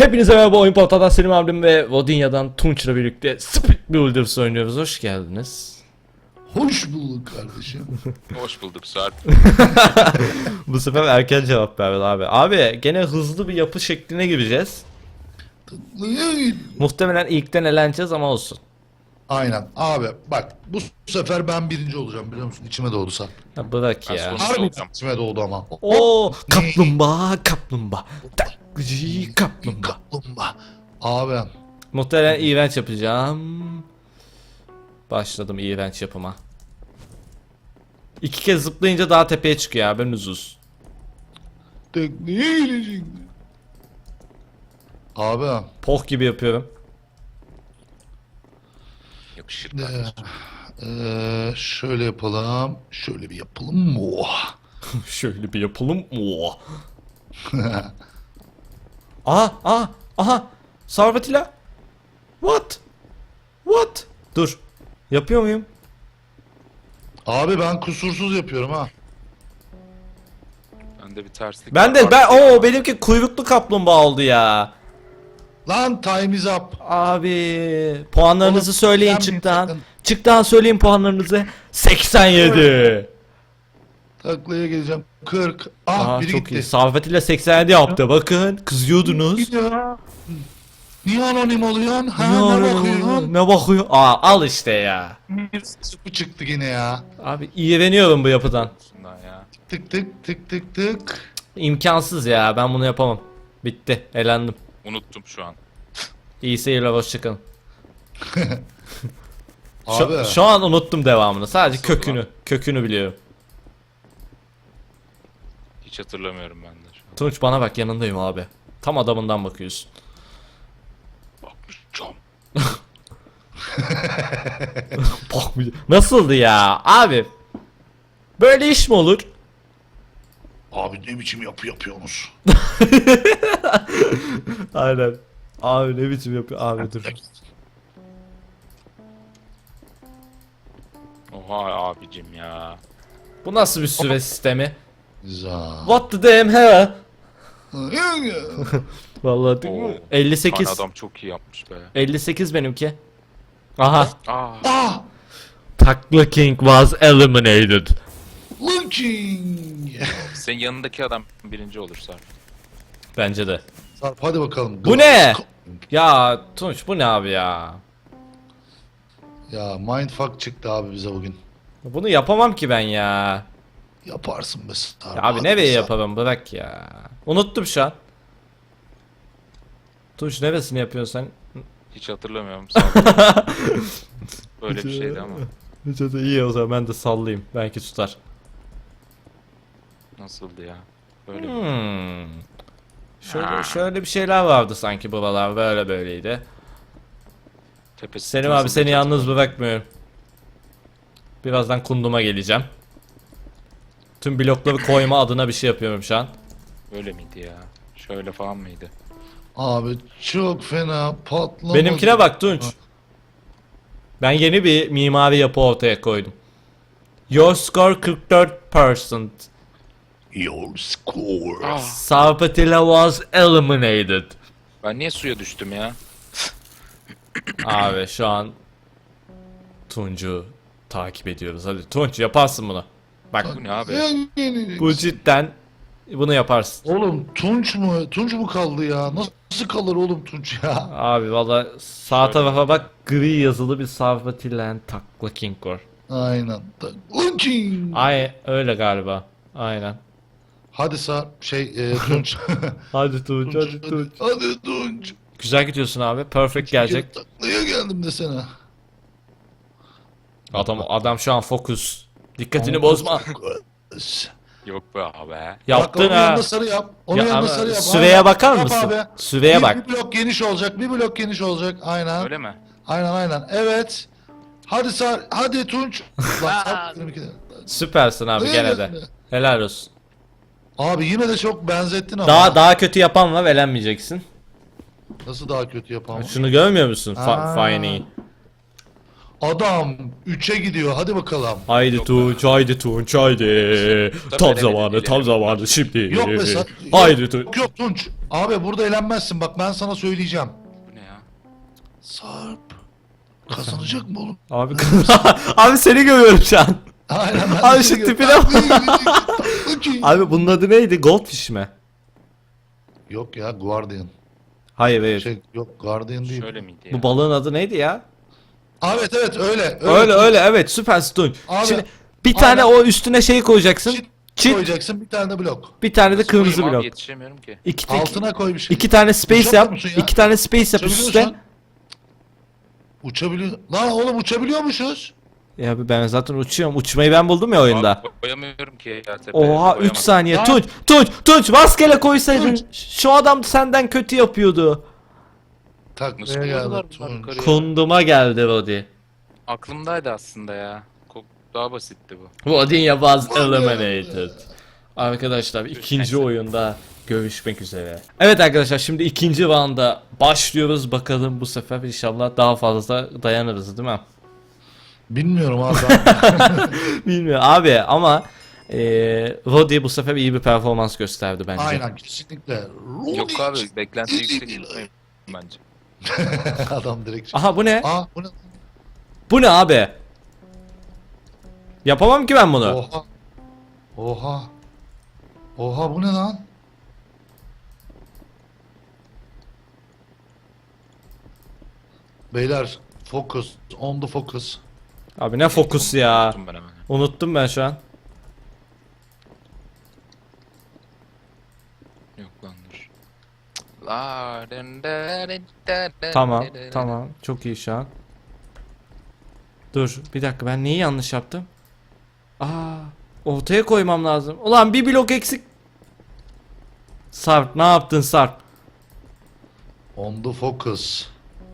Hepinize merhaba, Oyun Portal'dan Selim abim ve Vodinya'dan Tunç'la birlikte Speed Builders oynuyoruz. Hoş geldiniz. Hoş bulduk kardeşim. Hoş bulduk Sarp. Bu sefer erken cevap verdi abi. Abi gene hızlı bir yapı şekline gireceğiz. Muhtemelen ilkten eleneceğiz ama olsun. Aynen abi bak bu sefer ben birinci olacağım biliyor musun? İçime doğdu Sarp. Ya bırak Ben ya. sonuncu Harbi olacağım. içime doğdu ama. Oo, kaplumbağa kaplumbağa. Takıcı kaplumbağa. Kaplumbağa. Abi Muhtemelen iğrenç yapacağım. Başladım iğrenç yapıma. 2 kez zıplayınca daha tepeye çıkıyor abi, nüzuz. tekneye gelecekti. Abi Poh gibi yapıyorum. Yakışır kardeşim. şöyle yapalım. Şöyle bir yapalım mı? Oh. Şöyle bir yapalım. Oo. Aha. Sarvatila. What? Dur. Yapıyor muyum? Abi ben kusursuz yapıyorum ha. Bende bir terslik Ben var. benimki kuyruklu kaplumbağa oldu ya. Lan time is up. Abi puanlarınızı Oğlum, söyleyin ben çıktan. bir- Çıktan söyleyin puanlarınızı. 87. Taklaya geleceğim. 40. Ah Aha, biri çok gitti. iyi. Sarvatila 87 yaptı. Bakın kızıyordunuz. Ya. Niye anonim oluyorsun? Ha, Ya, ne bakıyorsun? ne bakıyor? Al işte ya. Bu çıktı yine ya. Abi iğreniyorum bu yapıdan. Şundan ya. Tık tık tık tık tık. İmkansız ya, ben bunu yapamam. Bitti, elendim. Unuttum şu an. İyi seyirler, hoşçakalın. Abi. Şu an unuttum devamını. Sadece Nasıl kökünü biliyorum. Hiç hatırlamıyorum ben de şu an. Tunç bana bak, yanındayım abi. Tam adamından bakıyorsun. Bakmışacağım. Nasıldı ya abi? Böyle iş mi olur? Abi ne biçim yapı yapıyorsunuz? Aynen. Abi ne biçim yapıyor abi, dur. Oha abicim ya. Bu nasıl bir süre sistemi? Güzel. What the damn hell? Vallahi Oo. değil mi? Tane 58. adam çok iyi yapmış be. 58 benimki. Aha. Ah! Takla King was eliminated. Looking! Senin yanındaki adam birinci olur Sarp. Bence de. Sarp hadi bakalım. Bu ne? Ya Tunç, bu ne abi ya? Ya mindfuck çıktı abi bize bugün. Bunu yapamam ki ben ya. Yaparsın be Sarp. Ya abi hadi nereye be Sarp. yapamam, bırak ya. Unuttum şu an. Tunç neresini yapıyorsun sen? Hiç hatırlamıyorum. Sarp. Böyle bir şeydi ama. Hiç de iyi, o zaman ben de sallayayım. Belki tutar. Nasıldı ya? Böyle mi? Şöyle bir şeyler vardı sanki buralar, böyle böyleydi. Tepesi Selim abi, seni yalnız bırakmıyorum. Birazdan kunduma geleceğim. Tüm blokları koyma adına bir şey yapıyorum şu an. Böyle miydi ya? Şöyle falan mıydı? Abi çok fena patlamadı. Benimkine bak Tunç. Ben yeni bir mimari yapı ortaya koydum. Your score 44%. Your score. Ah, Sarpatilla was eliminated. ben niye suya düştüm ya? Abi şu an Tunç'u takip ediyoruz. Hadi Tunç, yaparsın bunu. Bak Bu ne abi? bu cidden bunu yaparsın. Oğlum Tunç mu? Tunç mu kaldı ya? Nasıl kalır oğlum Tunç ya? Abi valla sağ tarafa bak, gri yazılı bir Sarpatilla Takla King var. Aynen. Looking! Ay öyle galiba. Aynen. Hadi Tunç. Hadi Tunç, hadi Tunç. Hadi Tunç. Güzel gidiyorsun abi. Perfect gelecek. Taklaya geldim desene. Adam şu an fokus. Dikkatini bozma. Yok be abi. Yaptın Onun ha. yanında sarı yap. Onun Ya yanında ama sarı yap. süreye Aynen. bakar Yap mısın? abi. Süreye bak. Bir blok geniş olacak. Bir blok geniş olacak. Aynen. Öyle mi? Aynen. Evet. Hadi hadi Tunç. Lan Sarp benimki de. Süpersin abi gene de. Helal olsun. Abi yine de çok benzettin ama. Daha kötü yapan var, elenmeyeceksin. Nasıl daha kötü yapamam? Şunu görmüyor musun? Aa. Fine'i. Adam 3'e gidiyor. Hadi bakalım. Haydi Tunç, haydi Tunç, haydi. Tam veremedi, zamanı, tam bilemedim. zamanı şimdi. Yok be sen. Haydi Tunç. Yok yok Tunç. Abi burada elenmezsin. Bak ben sana söyleyeceğim. Bu ne ya? Sarp. Kazanacak mı oğlum? Abi abi seni görüyorum şu an. Aynen ben de Abi şu seni gör- tipine bak. Tatlı ki. Abi bunun adı neydi? Goldfish mi? Yok ya Guardian. Hayır hayır. Yok Guardian değil. Şöyle miydi ya? Bu balığın adı neydi ya? Evet evet öyle. Öyle öyle evet süper Tunç. Abi, Şimdi bir tane aynen. o üstüne şey koyacaksın. Çit Çit. koyacaksın bir tane de blok. Bir tane de Nasıl kırmızı koyayım abi? blok. Yetişemiyorum ki. Altına koy bir şey. İki tane space Uçamıyor yap. musun ya? İki tane space yap üstte. Uçabiliyorsun. Uçabiliyor. Lan oğlum uçabiliyormuşuz. Ya abi ben zaten uçuyorum. Uçmayı ben buldum ya oyunda. Abi koyamıyorum ki ya tepeye. Oha 3 koyamadım. saniye. Lan. Tunç rastgele koysaydın. Tunç. Şu adam senden kötü yapıyordu. Tak Nasıl neye koydular geldi bunlar Tunç? yukarıya? Kunduma geldi Rodi. Aklımdaydı aslında ya. Daha basitti bu. Rodinya was Vay be. eliminated. Arkadaşlar ikinci oyunda görüşmek üzere. Evet arkadaşlar şimdi ikinci rounda başlıyoruz. Bakalım bu sefer inşallah daha fazla dayanırız değil mi? Bilmiyorum abi. Bilmiyorum abi ama Rodi bu sefer iyi bir performans gösterdi bence. Aynen kesinlikle. Yok abi beklenti yüksek tutmayın bence. Adam direkt. Aha bu ne? Aa bu ne? Bu ne abi? Yapamam ki ben bunu. Oha. Oha. Oha bu ne lan? Beyler focus on the focus. Abi ne fokus ya. Unuttum ben hemen. Unuttum ben şu an. Yok lan dur. Tamam tamam çok iyi şu an. Dur bir dakika ben neyi yanlış yaptım? Aa ortaya koymam lazım. Ulan bir blok eksik. Sarp ne yaptın Sarp? On the focus.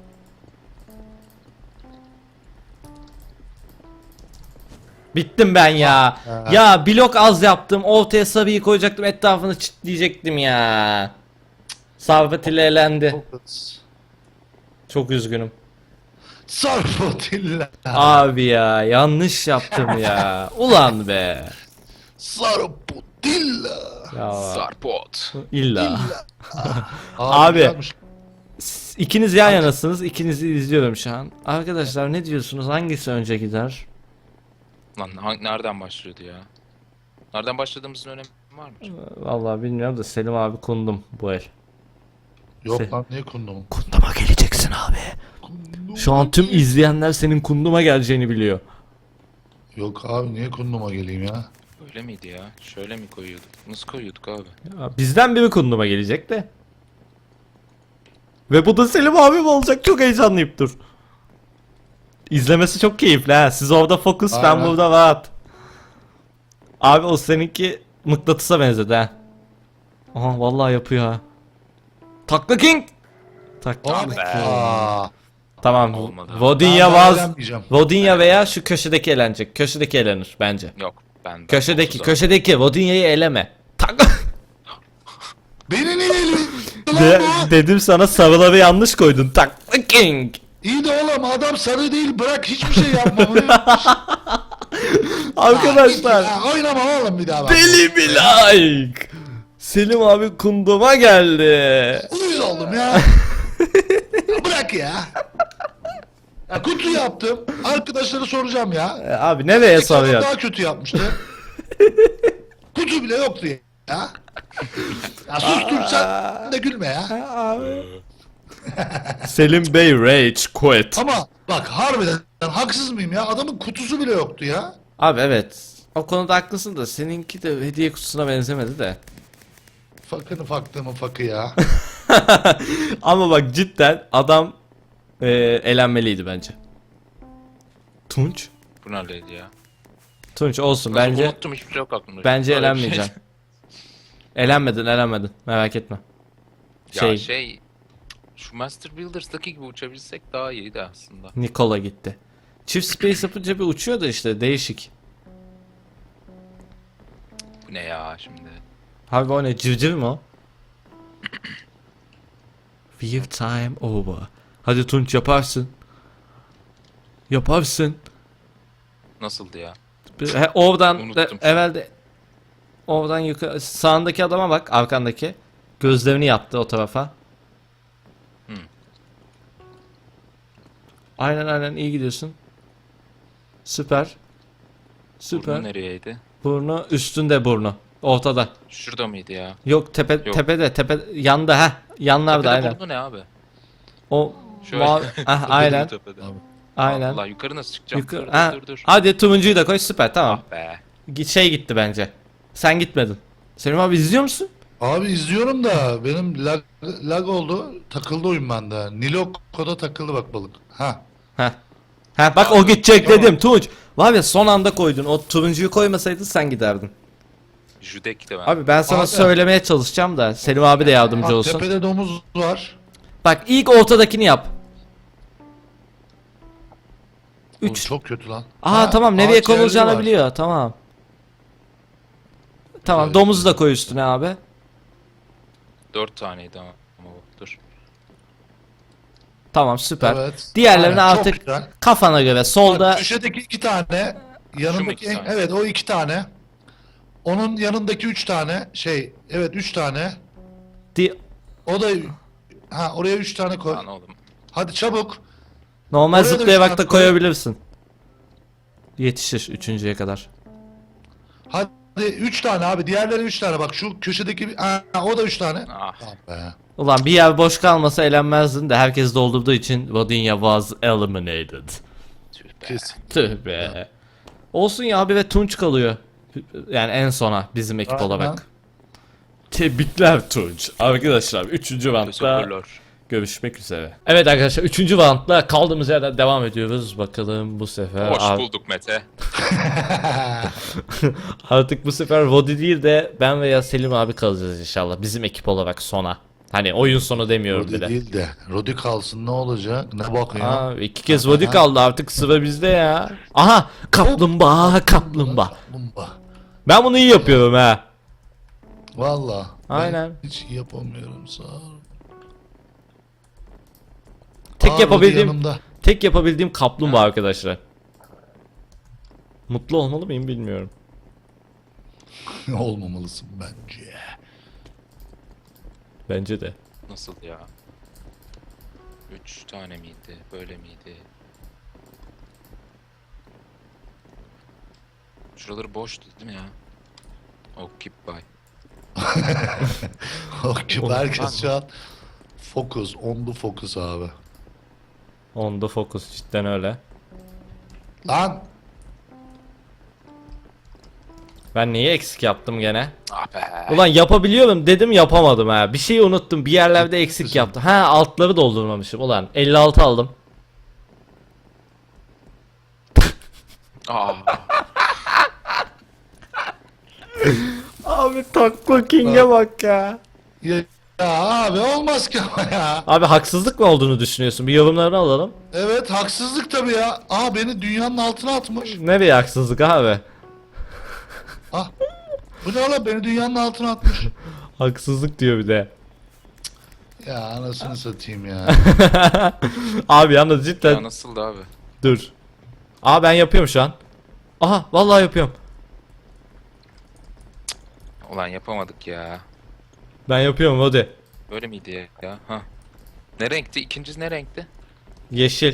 Bittim ben ya. Ha. Ya blok az yaptım. Ortaya sarıyı koyacaktım. Etrafını çitleyecektim ya. Sarp ile elendi. Focus. Çok üzgünüm. Sarpotilla. Abi ya yanlış yaptım ya. Ulan be. Sarpotilla. Ya Sarpot. illa. Abi. Abi. güzelmiş. İkiniz yan yanasınız. İkinizi izliyorum şu an. Arkadaşlar ne diyorsunuz? Hangisi önce gider? Lan nereden başlıyordu ya? Nereden başladığımızın önemi var mı? Vallahi bilmiyorum da Selim abi kundum bu el. Yok lan niye kundum? Kunduma geleceksin abi. Şu an tüm izleyenler senin kunduma geleceğini biliyor. Yok abi niye kunduma geleyim ya? Öyle miydi ya? Şöyle mi koyuyorduk? Nasıl koyuyorduk abi? Ya bizden biri kunduma gelecek de. Ve bu da Selim abim olacak. Çok heyecanlıyım dur. İzlemesi çok keyifli ha. Siz orada fokus ben Aynen. burada rahat. Abi o seninki mıknatısa benzedi ha. Aha vallahi yapıyor ha. Takla King. Takla Hop. King. Aa. Tamam. Olmadı. Vodinya Ben daha was eğlenmeyeceğim. Vodinya veya şu köşedeki elenecek. Köşedeki elenir bence. Yok ben. Köşedeki Vodinya'yı eleme. Takla. Beni niye eliyorsun lan bu? Dedim sana sarıları yanlış koydun. Takla King. İyi de oğlum adam sarı değil bırak hiçbir şey yapmamayı. Arkadaşlar. Ya, oynama oğlum bir daha bak. Deli bir like. Selim abi kunduma geldi. Uyuz oldum ya. Ya bırak ya. Ya kutu yaptım. Arkadaşlara soracağım ya. Abi nereye İnsan soruyorsun? daha kötü yapmıştı. Kutu bile yoktu ya. Ya sustur sen de gülme ya. Selim Bey rage quit. Ama bak harbiden haksız mıyım ya? Adamın kutusu bile yoktu ya. Abi evet. O konuda haklısın da seninki de hediye kutusuna benzemedi de. Fakını faktığımın fakı ya. Ama bak cidden adam elenmeliydi bence. Tunç. Bu neredeydi ya? Tunç olsun Nasıl bence. unuttum hiçbir şey yok aklımda. Bence Böyle bir şey. elenmeyeceksin. Elenmedin merak etme. Ya şu Master Builders'daki gibi uçabilsek daha iyiydi aslında. Nikola gitti. Çift space yapınca bir uçuyor da işte değişik. Bu ne ya şimdi? Abi o ne civciv mi o? Weird time over. Hadi Tunç yaparsın. Yaparsın. Nasıldı ya? Oradan Unuttum da, şu an. evvelde oradan yukarı sağındaki adama bak, arkandaki. Gözlerini yaptı o tarafa. Hı. Aynen iyi gidiyorsun. Süper. Süper. Burnu nereyeydi? Burnu üstünde burnu. Ortada. Şurada mıydı ya? Yok tepe yanda ha. Yanlarda Tepede aynen. burnu ne abi? O Şöyle. mavi aynen. Tepede. Aynen. Allah yukarı nasıl çıkacağım? Yukarı, Dur, ha, dur. hadi turuncuyu da koy, süper, tamam. Ah be. Şey gitti bence. Sen gitmedin. Selim abi izliyor musun? Abi izliyorum da benim lag oldu. Takıldı oyun bende. Niloco'da takıldı bak balık. Ha. Ha. Ha bak o gidecek dedim Tunç. Var ya son anda koydun. O turuncuyu koymasaydın sen giderdin. Judek de ben. Abi ben sana Abi. söylemeye çalışacağım da Selim abi de yardımcı Bak olsun. tepede domuz var. Bak ilk ortadakini yap. Oğlum 3. çok kötü lan. Aa Ha, tamam, nereye ağaç yerleri konulacağını var. biliyor. Tamam. Tamam, Evet. domuzu da koy üstüne abi. 4 taneydi ama bu. Dur. Tamam süper. Evet. Diğerlerini Aynen, çok artık güzel. kafana göre solda. Bak, köşedeki 2 tane. Yanındaki iki tane? evet o 2 tane. Onun yanındaki 3 tane. Evet 3 tane. O da oraya 3 tane koy. Lan oğlum. Hadi çabuk. Normal Oraya da zıplayarak üç da tane koy. koyabilirsin. Yetişir üçüncüye kadar. Hadi 3 tane abi. Diğerleri 3 tane. Bak şu köşedeki o da 3 tane. Ah. Tamam be. Ulan bir yer boş kalmasa elenmezdin de herkes doldurduğu için Vodinya was eliminated. Tüh be. Kesin. Tüh be. Olsun ya abi, ve Tunç kalıyor. Yani en sona bizim ekip Aynen. olarak. Tebrikler Tunç. Arkadaşlar 3. roundda Teşekkürler. görüşmek üzere. Evet arkadaşlar 3. roundda kaldığımız yerden devam ediyoruz. Bakalım bu sefer Hoş bulduk Mete. artık bu sefer Vodi değil de ben veya Selim abi kalacağız inşallah. Bizim ekip olarak sona. Hani oyun sonu demiyorum Rodi bile. değil de. Rodi kalsın ne olacak? Ne bakıyor? Aa, 2 kez Vodi kaldı, artık sıra bizde ya. Aha, kaplumbağa. Kaplumbağa. Ben bunu iyi yapıyorum ha. Valla. Aynen. Ben hiç yapamıyorum sağ ol. Tek Rodi yapabildiğim yanımda. tek yapabildiğim kaplumbağa arkadaşlar. Mutlu olmalı mıyım bilmiyorum. Olmamalısın bence. Bence de. Nasıl ya? 3 tane miydi? Böyle miydi? Şuraları boştu değil mi ya? Occupy. Okey, herkes şu an fokus, onlu fokus abi. Onda fokus cidden öyle. Lan Ben neyi eksik yaptım gene? Ah be. Ulan yapabiliyorum dedim, yapamadım ha. Bir şeyi unuttum. Bir yerlerde eksik yaptım. Ha, altları doldurmamışım. Ulan 56 aldım. Aa. Abi takla king'e bak ya. ya abi olmaz ki ama ya. Abi haksızlık mı olduğunu düşünüyorsun? Bir yorumlarını alalım. Evet haksızlık tabii ya. Beni dünyanın altına atmış. Nereye haksızlık abi? Bu ne oğlum, beni dünyanın altına atmış. Haksızlık diyor bir de. Ya anasını satayım ya. Abi yalnız cidden Ya nasıldı abi? dur. Aa, ben yapıyorum şu an. Aha, vallahi yapıyorum. Ulan yapamadık ya. Ben yapıyorum hadi. Böyle miydi ya? Ha. Ne renkti? İkincisi ne renkti? Yeşil.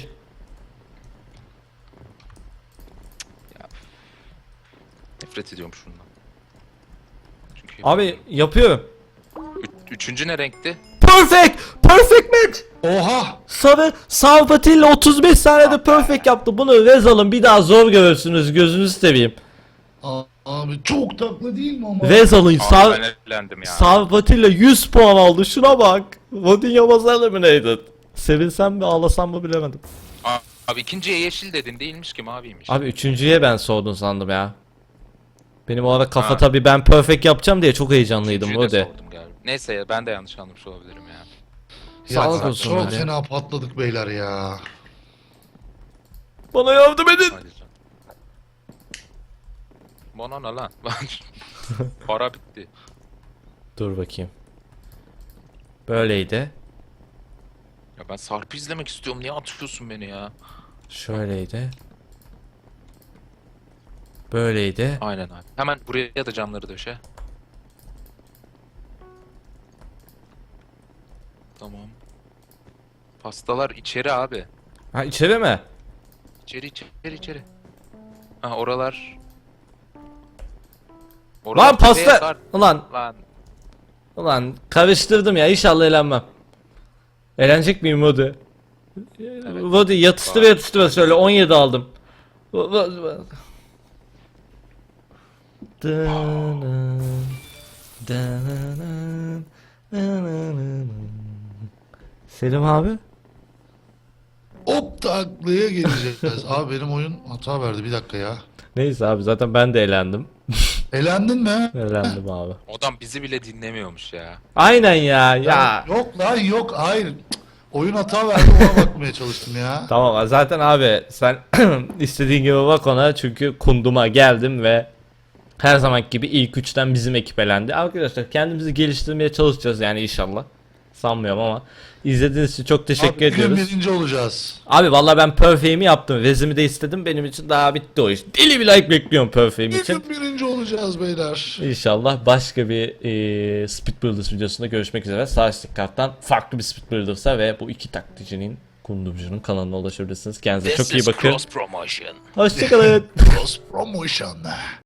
Nefret ediyorum şundan. Çünkü Abi yapıyorum. Üçüncü ne renkti? Perfect! Perfect match! Oha. Sarı Fatih'le 35 saniyede perfect yaptı. Bunu Rezal'ın bir daha zor görürsünüz, gözünüzü seveyim. Abi çok taklı değil mi ama? Rezal'ın Abi Sarı ben eğlendim ya. Fatih'le 100 puan aldı, şuna bak. Vodinya was eliminated. Sevinsem mi ağlasam mı bilemedim. Abi ikinciye yeşil dedin, değilmiş ki maviymiş. Abi üçüncüye ben sordun sandım ya. Benim o ara kafa Ha. tabi, ben perfect yapacağım diye çok heyecanlıydım Üçüncüyü de Vodi. sordum galiba. Neyse ya, ben de yanlış anlamış olabilirim ya. Sağlık Ya, olsun çok hadi. fena patladık beyler ya. Bana yardım edin. Hadi canım. Bana ne lan? Para bitti. Dur bakayım. Böyleydi. Ya ben Sarp'ı izlemek istiyorum. Niye atıyorsun beni ya? Şöyleydi. Böyleydi. Aynen abi. Hemen buraya da camları döşe. Tamam. Pastalar içeri abi. Ha içeri mi? İçeri. Ha oralar. Lan tepeye pasta. sar. Ulan. Lan. Ulan karıştırdım ya. İnşallah eğlenmem. Eğlenecek miyim Vodi? Vodi yatıştıra şöyle 17 aldım. Selim abi. Hop taklaya geleceğiz. Abi benim oyun hata verdi, bir dakika ya. Neyse abi zaten ben de eğlendim. Elendin mi? Eğlendim abi. Adam bizi bile dinlemiyormuş ya. Aynen ya. Yok lan yok, hayır. Cık, oyun hata verdi, ona bakmaya çalıştım ya. Tamam zaten abi sen istediğin gibi bak ona çünkü kunduma geldim ve her zamanki gibi ilk üçten bizim ekip elendi. Arkadaşlar kendimizi geliştirmeye çalışacağız yani inşallah. Sanmıyorum ama izlediğiniz için çok teşekkür Abi, bugün ediyoruz. birinci olacağız. Abi vallahi ben Perfect'imi yaptım. Vezimi de istedim. Benim için daha bitti o iş. Deli bir like bekliyorum Perfect'im için. Bugün birinci olacağız beyler. İnşallah başka bir Speed Builders videosunda görüşmek üzere. Sağ üstteki karttan farklı bir Speed Builders'a ve bu iki taklitçinin kundumcunun kanalına ulaşabilirsiniz. Kendinize çok iyi bakın. Cross promotion. Hoşçakalın. Cross promotion.